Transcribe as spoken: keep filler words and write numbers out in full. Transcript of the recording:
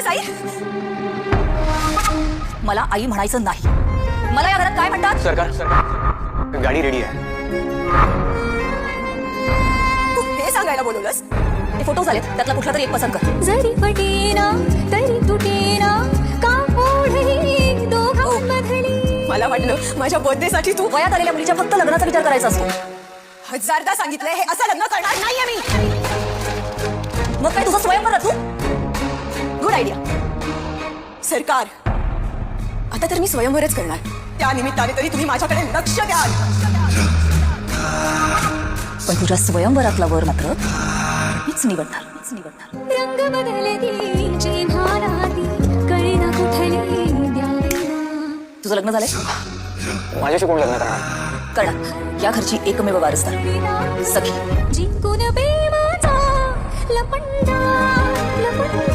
बोललास आई? मला आई म्हणायचं नाही. मला या घरात काय म्हणतात? सरकार सरकार गाडी रेडी आहे. तू हे सांगायला बोलवलंस? ते फोटो झालेत, त्यातला कुठला तरी एक पसंत कर. जरी पटेना तरी तुटेना का ओढही दोघांमधली. मला वाटलं माझ्या बर्थडे साठी तू वयात आलेल्या मुलीच्या फक्त लग्नाचा विचार करायचा असतो. हजारदा सांगितलंय हे असं लग्न करणार नाहीये मी. मग काय तुझं स्वयंवर तू? Good idea. सरकार, आता तर मी स्वयंवरच करणार. त्या निमित्ताने तरी तुम्ही माझ्याकडे लक्ष द्याल. पण तुझ्या स्वयंवरातला वर मात्र मीच निवडणार मीच निवडणार. रंग बदलती चिन्हा राहती कळेना कुठली द्यावेना. तुझं लग्न झालंय? माझ्याशी कोण लग्न करणार? करणार. या घरची एकमेव वारसदार सखी. जिंकून प्रेमाचा लपंडा लपंडा